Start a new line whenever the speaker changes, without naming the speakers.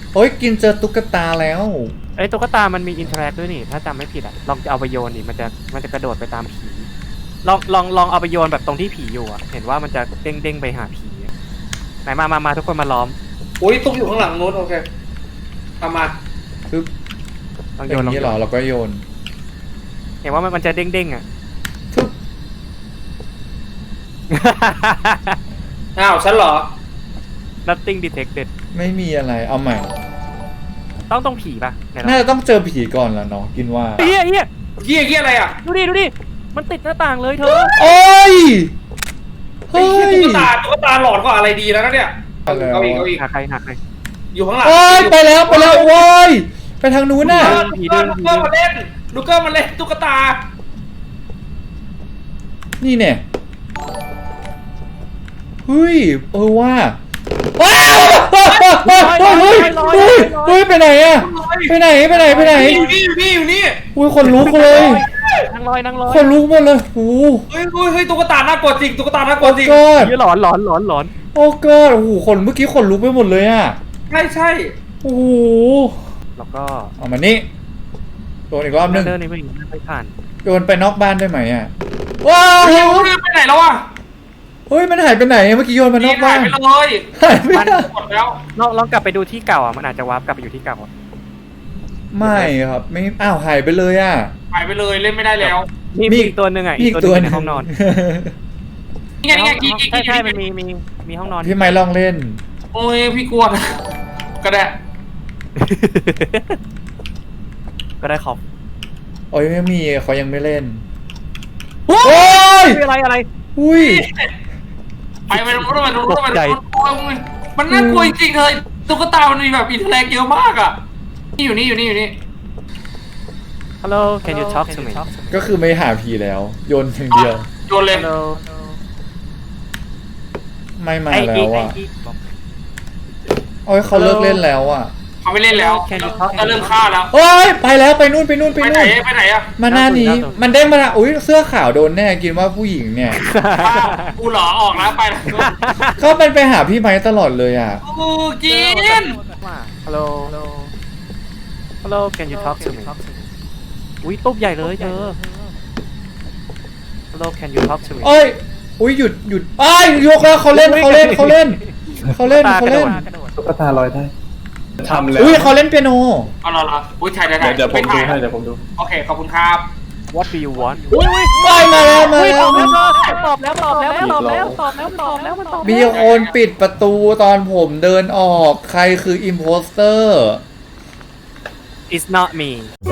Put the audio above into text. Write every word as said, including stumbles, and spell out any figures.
โอ้ยกินเจอตุ๊กตาแล้ว
ไอ้ตุ๊กตามันมีอินเทอร์แอคด้วยนี่ถ้าจำไม่ผิดอ่ะลองจะเอาไปโยนนี่มันจะมันจะกระโดดไปตามผีลองลองลองเอาไปโยนแบบตรงที่ผีอยู่อ่ะเห็นว่ามันจะเด้งเด้งไปหาผีไหนมามามาทุกคนมาล้อม
อุ้ยตุ๊กอยู่ข้างหลังนู้นโอเคทำมา
ปึ๊บ
ลอง
อ
โยน
ย่าง
ลอง
นี้
โย
เหรอน เราก็โยน
เห็นว่ามันมันจะเด้งเด้งอ่ะ
ปึ๊บ
อ้าวฉันเหรอ
nothing detected
ไม่มีอะไรเอาใหม่
ต้องต้องผีป่ะไหน
น่าจะต้องเจอผีก่อนแล้วเนาะกินว่า
เฮียเฮีย
เกี้ยเกี้ยอะไรอ่ะ
ดูดิดูดิมันติดหน้าต่างเลยเธอ
โอ้ย
เฮ้
เฮ้
ย
ย
ตุ๊กตาตุ๊กตาหลอดก็อะไรดีแล้วนะเนี่ยเอาเอาอีกเอาอีก
หาใครหาใคร
อยู่ข้างหลัง
โอ้ยไปแล้วไปแล้วโว้ยไปทางนู้นน่ะ
ลูกเกอร์ลูกเกอร์มาเล่นลูกเกอร์มาเล่นตุ๊กตา
นี่เนี่ยเฮ้ยเออว่าว้าวเฮ้ยเฮ้ยเฮ้ยไปไหนอะไปไหนไปไหนไปไหน
อยู่นี่อยู่นี่อยู่นี่
อุ้ยคนลุกเลย
นั่งลอยนั่งลอย
คนลุกหมดเลยโอ้
เฮ้ยเฮ้ยเฮ้ยตุ๊กตาน่ากลัวจริงตุ๊กตาน่ากลัวจริง
กอด
เฮียหลอนหลอนหลอนหลอน
โอ้กอดโอ้โหคนเมื่อกี้คนลุกไปหมดเลยอะ
ใช่ใช่
โอ้โห
แล้วก็
เอามานี่โดนอีกรอบนึง
เดินนี่ไม่ไม่ผ่าน
โยนไปนอกบ้านได้ไหมอะว้าว
เฮ้ยเฮ้ยไปไหนแล้วอ่ะ
เฮ้ยมันหายไปไหนเมื่อกี้โยนมานอก
หา
บ้าย น
ไปเลย
หายไป
มัน
ไหน
หมดแล้ว
ลองลองกลับไปดูที่เก่าอ่ะมันอาจจะวาร์ปกลับไปอยู่ที่เก่า
ไม่ครับไม่อ้าวหายไปเลยอะ
หายไปเลยเล่นไม่ได้แล้ว
มีมีอีกตัวหนึ่งอ่ะ
มี
อี
อี
ก
ก
ตั
ตัว ว
หนึง
หนึ
ใน
ง
ห้องนอน
นี่ไงนี่ไงกิ๊กกิ๊ก
ใช่
กิ๊ก
ใช่มันมีมีมีห้องนอน
พี่ไม้ลองเล่น
โอ้ยพี่กลัวนะก็ได้
ก็ได้ขอบ
โอ้ยไม่มีเขายังไม่เล่น
โอ้
โอ้ย
คืออะไรอะไร
อุ้ย
ไปไปรู้ไปรู้ไปรู้มันน่ากลัวจริงๆเลยตุ๊กตามันมีแบบอินเทอร์แลกเยอะมากอ่ะนี่อยู่นี่อยู่นี่อยู่นี่
Hello can you talk to me
ก็คือไม่หาผีแล้ว โยนอย่างเดียว
โยนเลย
Hello
ไม่มา
ไอ้
แล้
อี
ว
ไอ้
อ่ะ
อี
โอ้ยเขาเลิกเล่นแล้วอ่ะ
เขาไม่เล่นแล้วก็เริ่มฆ่าแล้ว
โอ้ยไปแล้วไปนู่นไปนู่นไป
ไปไหน
นู่น
ไปไหนอ่ะ
มาหน้านี้มันเด้งมาละอุ้ยเสื้อขาวโดนแน่กินว่าผู้หญิงเนี่ย
ป้ากูหล่อออกแล้วไปแล้ว
เขาเป็นไปหาพี่ไม้ตลอดเลยอ่ะ
กูกิน
Hello Hello can you talk to me อุ้ยตุ๊บใหญ่เลยเธอ Hello can you talk to me
โอ้ยอุ้ยหยุดหยุดไอ้ยยกแล้วเขาเล่นเขาเล่นเขาเล่นเขาเล่นเขาเล่น
ตุ๊กตาลอยได้ทำแล้ว
อุ้ยเขาเล่นเปียโน
เอาละละอุ้ยถ่ายได้ถ่าย
เดี๋ยวผมดูให้เดี๋ยวผมดู
โอเคขอบคุณครับ
What do you want อุ้ยอุ้ย
ไปมาแล้วมา
อุ้ย
แล้
ตอ
ว
บแล้วตอบแล้วตอบแล้วตอบแล้วตอบแล้วตอบแล้วมันตอบ
มีคนปิดประตูตอนผมเดินออกใครคืออิมโพสเตอร์
It's not me